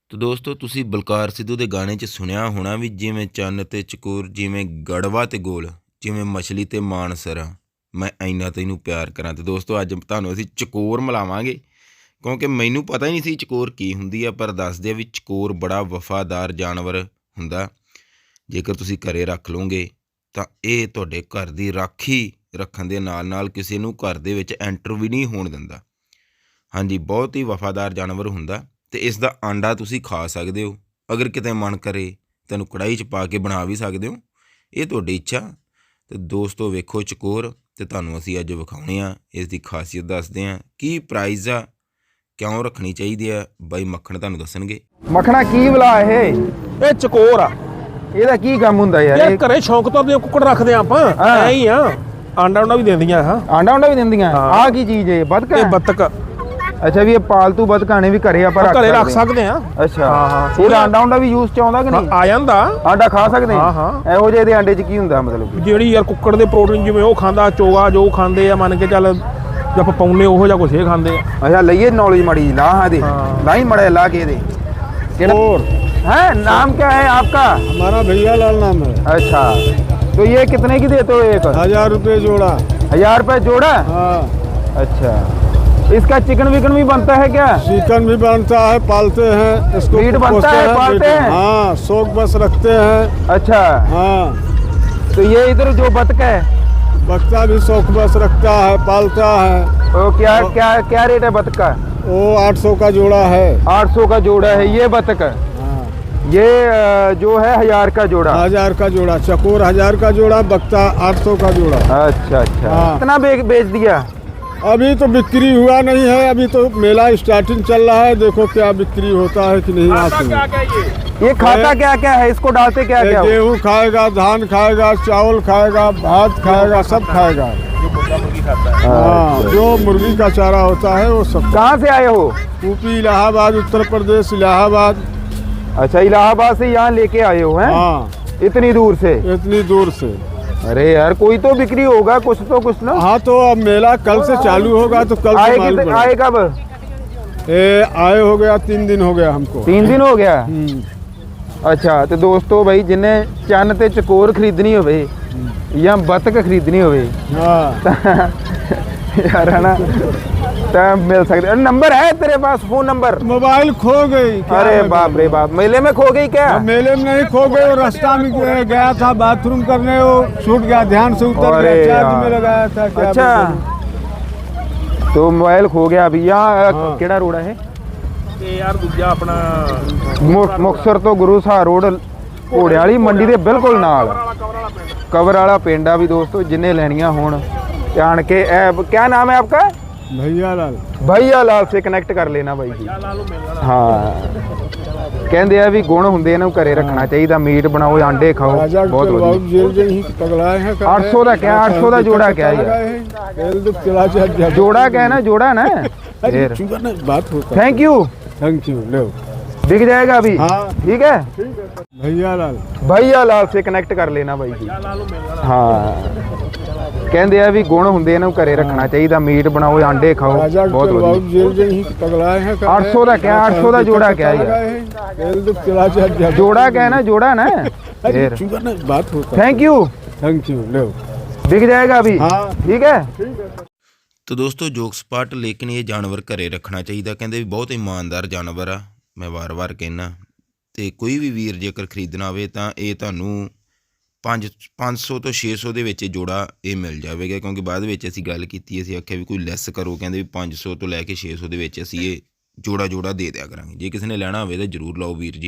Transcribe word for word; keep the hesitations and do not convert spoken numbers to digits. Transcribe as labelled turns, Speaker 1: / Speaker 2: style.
Speaker 1: तो दोस्तों तुसी बलकार सिद्धू के गाने च सुनिया होना भी जिमें चन्न ते चकोर जिमें गड़वा ते गोल जिमें मछली ते मानसरा मैं इन्ना तैनू प्यार करा। तो दोस्तों अज तुहानूं असीं चकोर मिलावांगे क्योंकि मैनू पता ही नहीं सी चकोर की हुंदी है, पर दसदे भी चकोर बड़ा वफादार जानवर हुंदा। जेकर तुसी घरे रख लोगे तो ये तुहाडे घर दी राखी रखण दे नाल नाल किसी नूं घर दे विच एंटर भी नहीं होण दिंदा। हाँ जी, बहुत ही वफादार जानवर हुंदा ते इसदा आंडा तुसी खा सकदे हो। अगर किते मन करे तैनूं कढ़ाई च पा के बना भी सकदे हो, ये तुहाडी इच्छा। तो दोस्तों वेखो चकोर ते तुहानूं असीं अज विखाउने आ, इसदी खासियत दसदे आ, की प्राइज़ आ, क्यों रखनी चाहिदी आ, बाई मक्खण तुहानूं दस्सणगे।
Speaker 2: मखना की भला ਇਹ
Speaker 3: ਇਹ ਚਕੋਰ ਆ।
Speaker 2: ਇਹਦਾ ਕੀ ਕੰਮ ਹੁੰਦਾ ਯਾਰ?
Speaker 3: ਇਹ ਘਰੇ ਸ਼ੌਂਕ ਤੋਂ ਆਪਣੇ ਕੁੱਕੜ ਰੱਖਦੇ ਆ ਆਪਾਂ, ਐ ਹੀ ਆ। ਆਂਡਾ ਉਂਡਾ ਵੀ ਦਿੰਦੀਆਂ ਹਾਂ।
Speaker 2: ਆਂਡਾ ਉਂਡਾ ਵੀ ਦਿੰਦੀਆਂ? ਆਹ ਕੀ ਚੀਜ਼ ਹੈ? ਬਤਕ?
Speaker 3: ਇਹ ਬੱਤਕ।
Speaker 2: ਅੱਛਾ, ਵੀ ਇਹ ਪਾਲਤੂ ਬਤਕਾਂ ਨੇ ਵੀ ਘਰੇ ਆਪਾਂ ਰੱਖ
Speaker 3: ਘਰੇ ਰੱਖ ਸਕਦੇ ਆ।
Speaker 2: ਅੱਛਾ ਹਾਂ ਹਾਂ। ਇਹਦਾ ਆਂਡਾ ਉਂਡਾ ਵੀ ਯੂਜ਼ ਚ ਆਉਂਦਾ ਕਿ ਨਹੀਂ?
Speaker 3: ਆ ਜਾਂਦਾ।
Speaker 2: ਆਂਡਾ ਖਾ ਸਕਦੇ
Speaker 3: ਹਾਂ ਹਾਂ।
Speaker 2: ਇਹੋ ਜਿਹੇ ਦੇ ਆਂਡੇ ਚ ਕੀ ਹੁੰਦਾ ਮਤਲਬ?
Speaker 3: ਜਿਹੜੀ ਯਾਰ ਕੁੱਕੜ ਦੇ ਪ੍ਰੋਟੀਨ ਜਿਵੇਂ ਉਹ ਖਾਂਦਾ, ਚੋਗਾ ਜੋ ਖਾਂਦੇ ਆ, ਮੰਨ ਕੇ ਚੱਲ ਜੇ ਆਪਾਂ ਪਾਉਨੇ ਉਹੋ ਜਿਹਾ ਕੁਛ ਇਹ ਖਾਂਦੇ ਆ।
Speaker 2: ਅੱਛਾ, ਲਈਏ नॉलेज माड़ी ला हाँ दे ला ही मड़ा ला के दे। है नाम क्या है आपका?
Speaker 4: हमारा भैया लाल नाम है।
Speaker 2: अच्छा, तो ये कितने की देते हो? एक
Speaker 4: हजार रुपये जोड़ा।
Speaker 2: हजार रुपये जोड़ा?
Speaker 4: हाँ।
Speaker 2: अच्छा, इसका चिकन विकन भी बनता है क्या?
Speaker 4: चिकन भी बनता है, पालते हैं इसको।
Speaker 2: मीट बनता है, पालते हैं?
Speaker 4: हाँ, शौक बस रखते हैं।
Speaker 2: अच्छा
Speaker 4: हाँ।
Speaker 2: तो ये इधर जो बतख है,
Speaker 4: बच्चा भी शौक बस रखता है, पालता है।
Speaker 2: तो क्या क्या क्या रेट है बतख का?
Speaker 4: वो आठ सौ का जोड़ा है।
Speaker 2: आठ सौ का जोड़ा है ये बतख।
Speaker 4: हाँ।
Speaker 2: ये जो है हजार का जोड़ा।
Speaker 4: हजार का जोड़ा। चकोर हजार का जोड़ा, बक्ता आठ सौ का जोड़ा।
Speaker 2: अच्छा अच्छा।
Speaker 4: हाँ।
Speaker 2: कितना बे, बेच दिया?
Speaker 4: अभी तो बिक्री हुआ नहीं है, अभी तो मेला स्टार्टिंग चल रहा है। देखो क्या बिक्री होता है कि नहीं। आज
Speaker 2: ये खाता क्या क्या है? इसको डालते क्या क्या?
Speaker 4: गेहूँ खाएगा, धान खाएगा, चावल खाएगा, भात खाएगा, सब खाएगा। हाँ, जो मुर्गी का चारा होता है वो सब।
Speaker 2: कहाँ से आए हो?
Speaker 4: यूपी, इलाहाबाद, उत्तर प्रदेश, इलाहाबाद।
Speaker 2: अच्छा, इलाहाबाद से यहाँ लेके आए हो हैं?
Speaker 4: हाँ,
Speaker 2: इतनी दूर से?
Speaker 4: इतनी दूर से।
Speaker 2: अरे यार, कोई तो बिक्री होगा कुछ तो कुछ ना।
Speaker 4: हाँ, तो अब मेला कल से चालू होगा, तो कल
Speaker 2: आए
Speaker 4: से मालूम
Speaker 2: कितने-
Speaker 4: पड़ेगा।
Speaker 2: आए कब?
Speaker 4: ए, आए हो गया तीन दिन हो गया हमको।
Speaker 2: तीन दिन हो गया?
Speaker 4: हम्म।
Speaker 2: अच्छा, तो दोस्तों भाई जिन्हें चन्न ते चकोर खरीदनी होवे या बतख खरीदनी होवे
Speaker 4: हाँ।
Speaker 2: यार है ना, तो मिल सकते। नंबर है तेरे पास? Phone number?
Speaker 4: मोबाइल खो गई। क्या
Speaker 2: अरे
Speaker 4: है?
Speaker 2: बाप रे बाप, मेले में खो गई क्या?
Speaker 4: हाँ, मेले में नहीं खो गई, वो रास्ता में गया गया था बाथरूम करने, वो छूट गया, ध्यान से उतर
Speaker 2: अरे
Speaker 4: गया,
Speaker 2: यार।
Speaker 4: चार्ज में लगाया था। क्या
Speaker 2: अच्छा, तो मोबाइल खो गया अभी। यहाँ
Speaker 4: हाँ।
Speaker 2: केड़ा रोड है?
Speaker 3: ਤੇ ਯਾਰ ਦੂਜਾ ਆਪਣਾ
Speaker 2: ਮੁ- ਮੁਕਤਸਰ ਤੋਂ ਗੁਰੂ ਸਾਹਿਬ ਰੋਡ ਘੋੜਿਆਂ ਵਾਲੀ ਮੰਡੀ ਦੇ ਬਿਲਕੁਲ ਨਾਲ ਕਵਰ ਵਾਲਾ ਪਿੰਡ ਆ ਵੀ ਦੋਸਤੋ। ਜਿੰਨੇ ਲੈਣੀਆਂ ਹੋਣ ਧਿਆਨ ਕੇ ਇਹ क्या नाम है आपका?
Speaker 4: भैया लाल।
Speaker 2: भैया लाल से कनेक्ट कर लेना ਬਾਈ ਜੀ। ਹਾਂ, ਕਹਿੰਦੇ ਆ ਵੀ ਗੁਣ ਹੁੰਦੇ ਇਹਨਾਂ ਨੂੰ ਘਰੇ ਰੱਖਣਾ ਚਾਹੀਦਾ। ਮੀਟ ਬਣਾਓ, ਆਂਡੇ ਖਾਓ,
Speaker 4: राजा
Speaker 2: ਬਹੁਤ
Speaker 4: के
Speaker 2: ਵਧੀਆ।
Speaker 4: बाबू जेल जेल ही पगलाए हैं।
Speaker 2: आठ सौ का क्या? आठ सौ का जोड़ा क्या है यार?
Speaker 4: जेल दुख चला जा।
Speaker 2: जोड़ा क्या है ना, जोड़ा ना।
Speaker 4: अरे
Speaker 2: फिर
Speaker 4: चुका ना बात होता।
Speaker 2: Thank you.
Speaker 4: Thank you. लो
Speaker 2: बिक जाएगा अभी?
Speaker 4: हाँ।
Speaker 2: ठीक है।
Speaker 4: भैया लाल।
Speaker 2: भैया लाल से कनेक्ट कर लेना ਬਾਈ ਜੀ। ਹਾਂ, ਕਹਿੰਦੇ ਆ ਵੀ ਗੁਣ ਹੁੰਦੇ ਇਹਨਾਂ ਨੂੰ ਘਰੇ ਰੱਖਣਾ ਚਾਹੀਦਾ। ਮੀਟ ਬਣਾਓ, ਆਂਡੇ ਖਾਓ,
Speaker 4: राजा
Speaker 2: ਬਹੁਤ
Speaker 4: के
Speaker 2: ਵਧੀਆ।
Speaker 4: बाबू जेल जेल ही पगलाए हैं।
Speaker 2: आठ सौ का क्या? आठ सौ का जोड़ा क्या है यार?
Speaker 4: जेल दुख चला जा।
Speaker 2: जोड़ा क्या है ना, जोड़ा ना।
Speaker 4: अरे
Speaker 2: फिर
Speaker 4: चुका ना बात होता।
Speaker 2: Thank you.
Speaker 4: Thank you. लो
Speaker 2: बिक जाएगा अभी?
Speaker 4: हाँ।
Speaker 2: ठीक है।
Speaker 1: तो दोस्तों जोक सपाट, लेकिन ये जानवर घरे रखना चाहिए। कहते भी बहुत ईमानदार जानवर आ, मैं वार वार कहना। तो कोई भी वीर जेकर खरीदना हो तो ये तुहानू पाँच पाँच सौ तो छे सौ के जोड़ा ये मिल जाएगा। क्योंकि बाद में असी गल की, असी आख्या भी कोई लैस करो, कहते भी पाँच सौ तो लैके छे सौ के असी ये जोड़ा जोड़ा दे दिया करांगे। जे किसी ने लेना हो तो जरूर लाओ वीर जी।